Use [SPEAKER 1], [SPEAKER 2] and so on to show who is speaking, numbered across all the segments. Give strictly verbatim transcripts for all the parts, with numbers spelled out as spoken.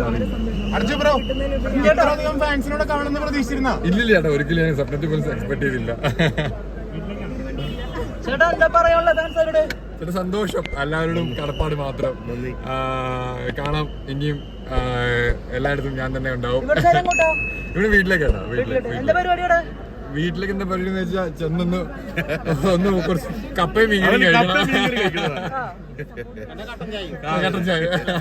[SPEAKER 1] ഇല്ലില്ല ചേട്ടാ, ഒരിക്കലും ഞാൻ സ്വപ്നത്തിൽ പോലും എക്സ്പെക്ട് ചെയ്തില്ല. ചേട്ടാ സന്തോഷം, എല്ലാവരോടും കടപ്പാട് മാത്രം. കാണാം ഇനിയും എല്ലായിടത്തും ഞാൻ തന്നെ ഉണ്ടാവും. ഇവിടെ വീട്ടിലേക്കാണ്. വീട്ടിലേക്ക് വീട്ടിലേക്ക് എന്താ പരിപാടി എന്ന് വെച്ചാൽ ചെന്നൊന്ന് ഒന്ന് കുറച്ച് കപ്പയും മീൻ കഴിക്കണം. കട്ടൻ ചായ.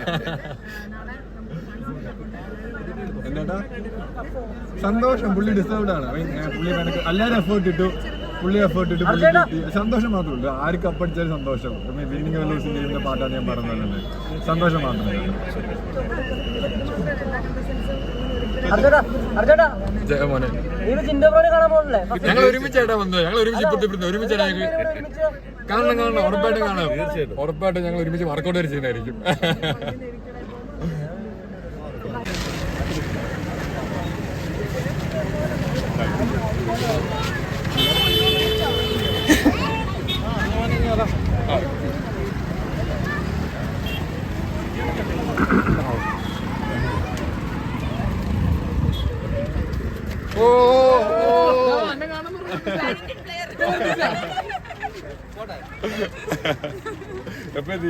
[SPEAKER 1] എന്താ സന്തോഷം, പുള്ളി ഡിസേർവ്ഡ് ആണ്. പുള്ളി എല്ലാവരും എഫേർട്ട് ഇട്ടു, പുള്ളി എഫേർട്ട് ഇട്ടു, പുള്ളി സന്തോഷം മാത്രമല്ല. ആര് കപ്പടിച്ചാലും സന്തോഷം. വിന്നിങ് ലൂസിംഗ് ഗെയിമിന്റെ പാട്ടാണ് ഞാൻ പറഞ്ഞത്. സന്തോഷം മാത്രമേ. ഞങ്ങൾ ഒരുമിച്ചായിട്ടാ വന്നത്. ഞങ്ങൾ ഒരുമിച്ച് ഇപ്പത്തെ ഒരുമിച്ചാണ് കാണണം കാണണം ഉറപ്പായിട്ടും കാണാം. ഉറപ്പായിട്ടും ഞങ്ങൾ ഒരുമിച്ച് വർക്കൗട്ട് വരെ ചെയ്യുന്നതായിരിക്കും. ഓ എപ്പത്തി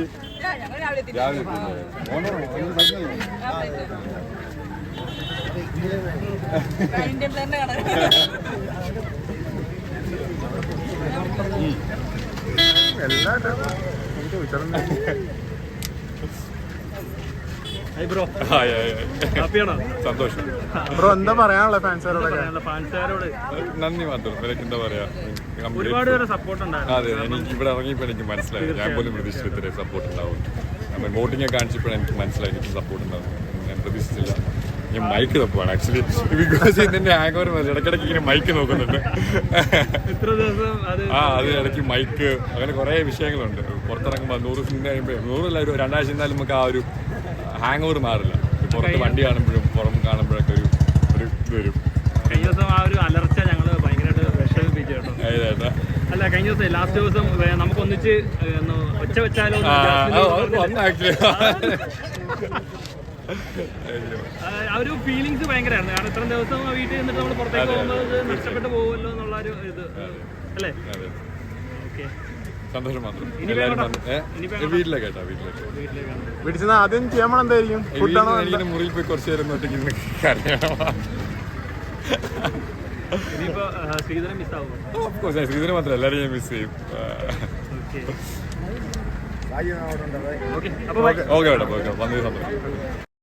[SPEAKER 1] സന്തോഷം ബ്രോ. എന്താ പറയാനുള്ള ഫാൻസുകാരോട്? ഫാൻസുകാരോട് നന്ദി മാത്രം. എനിക്ക് എന്താ പറയാ, ഒരുപാട് പേര് സപ്പോർട്ട് ഉണ്ടായിരുന്നു. അതെ, എനിക്ക് ഇവിടെ ഇറങ്ങിയപ്പോൾ എനിക്ക് മനസ്സിലായി. ഞാൻ പോലും പ്രതീക്ഷിച്ചു ഇത്രയും സപ്പോർട്ട് ഉണ്ടാവും. നമ്മൾ വോട്ടിംഗ് കാണിച്ചപ്പോഴും എനിക്ക് മനസ്സിലായി എനിക്ക് സപ്പോർട്ട് ഉണ്ടാവും. ഞാൻ പ്രതീക്ഷിച്ചില്ല. ഞാൻ മൈക്ക് തപ്പുവാണ് ആക്ച്വലി. ബിക്കോസ് ഇതിന്റെ ഹാങ് ഓവർ മതി. ഇടയ്ക്കിടയ്ക്ക് ഇങ്ങനെ മൈക്ക് നോക്കുന്നുണ്ട്. ആ അത് ഇടയ്ക്ക് മൈക്ക്, അങ്ങനെ കുറേ വിഷയങ്ങളുണ്ട്. പുറത്തിറങ്ങുമ്പോൾ നൂറ് സിനിമ കഴിയുമ്പോൾ നൂറല്ല ഒരു രണ്ടാഴ്ച ഇരുന്നാലും നമുക്ക് ആ ഒരു ഹാങ് ഓവർ മാറില്ല. പുറത്ത് വണ്ടി കാണുമ്പോഴും പുറം കാണുമ്പോഴൊക്കെ ഒരു ഒരു ഇത് വരും. കഴിഞ്ഞ ദിവസം ആ ഒരു അലർച്ച ഞങ്ങൾ ഭയങ്കരമായിട്ട് വിഷമിപ്പിച്ചു കേട്ടോ. അല്ല, കഴിഞ്ഞ ദിവസം ലാസ്റ്റ് ദിവസം നമുക്ക് ഒന്നിച്ച് ഒച്ച വെച്ചാലോ ആ ഒരു ഫീലിങ്സ് ഭയങ്കരമായിരുന്നു. കാരണം ഇത്രയും ദിവസം വീട്ടിൽ നിന്നിട്ട് നമ്മൾ പുറത്തേക്ക് പോകുമ്പോൾ നഷ്ടപ്പെട്ടു പോകുമല്ലോ എന്നുള്ള ഒരു ഇത് അല്ലേ. ഓക്കെ, സന്തോഷം മാത്രം. വീട്ടിലേക്ക് കേട്ടോ, വീട്ടിലേക്ക് വീട്ടിൽ ആദ്യം ചെയ്യാൻ എന്തായിരിക്കും? മുറിയിൽ പോയി കുറച്ച് നേരം ഒറ്റയ്ക്ക് ശ്രീധരൻ മാത്രം എല്ലാവരും ഞാൻ മിസ് ചെയ്യും. ഓക്കെ, ഓക്കെ, വന്നതിന് സന്തോഷം.